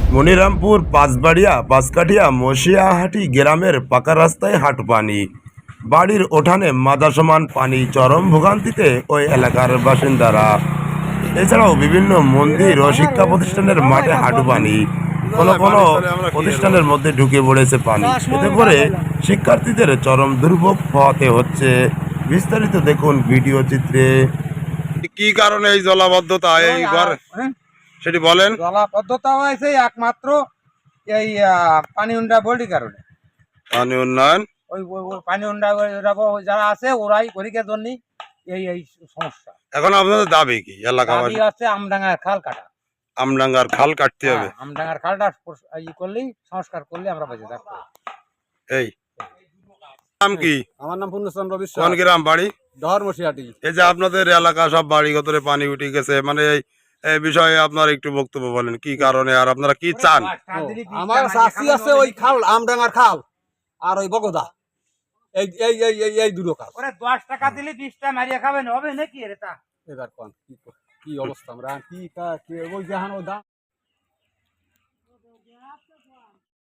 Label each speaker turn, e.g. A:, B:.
A: মনিরামপুর পাঁচবাড়িয়া পাঁচকাঠিয়া মশিয়াহাটি গ্রামের পাকা রাস্তায় হাঁটু পানি, বাড়ির উঠানে মাথা সমান পানি, চরম ভোগান্তিতে ওই এলাকার বাসিন্দারা। এছাড়াও বিভিন্ন মন্দির ও শিক্ষা প্রতিষ্ঠানের মাঠে হাঁটু পানি, কোনো কোনো প্রতিষ্ঠানের মধ্যে ঢুকে পড়েছে পানি। এতে করে শিক্ষার্থীদের চরম দুর্ভোগ পোহাতে হচ্ছে। বিস্তারিত দেখুন ভিডিও চিত্রে। কি কারণে এই জলাবদ্ধতা এই ঘর সেটি বলেন।
B: জলাবদ্ধতা হয়েছে একমাত্র এই পানি উন্ডা বলির কারণে।
A: পানি উন্নয়ন
B: ওই পানি উন্ডা যারা আছে ওরাই গরিকের জন্য এই এই সমস্যা।
A: এখন আপনাদের দাবি কি? এলাকাবাসী
B: আছে আমডাঙ্গার খাল কাটা,
A: আমডাঙ্গার খাল কাটতে হবে।
B: আমডাঙ্গার খালটা করলেই সংস্কার করলে আমরা বেঁচে থাকবো।
A: এই নাম কি?
B: আমার নাম পূর্ণচন্দ্র বিশ্বাস।
A: কোন গ্রাম বাড়ি?
B: ডহরমশিয়াটি।
A: এই যে আপনাদের এলাকা সব বাড়ি গতরে পানি উঠে গেছে, মানে এই বিষয়ে আপনার একটু বক্তব্য বলেন, কি কারণে আর আপনারা কি চান?
B: আমার চাষি আছে ওই খাল আমডাঙ্গার খাল আর ওই বগদা, এই এই এই এই এই দুটো কাজ। ওরে 10 টাকা দিলে 20টা মারিয়া খাবেন হবে নাকি? এটা এবার কোন কি অবস্থা আমরা কি ওই জাহান ও দাম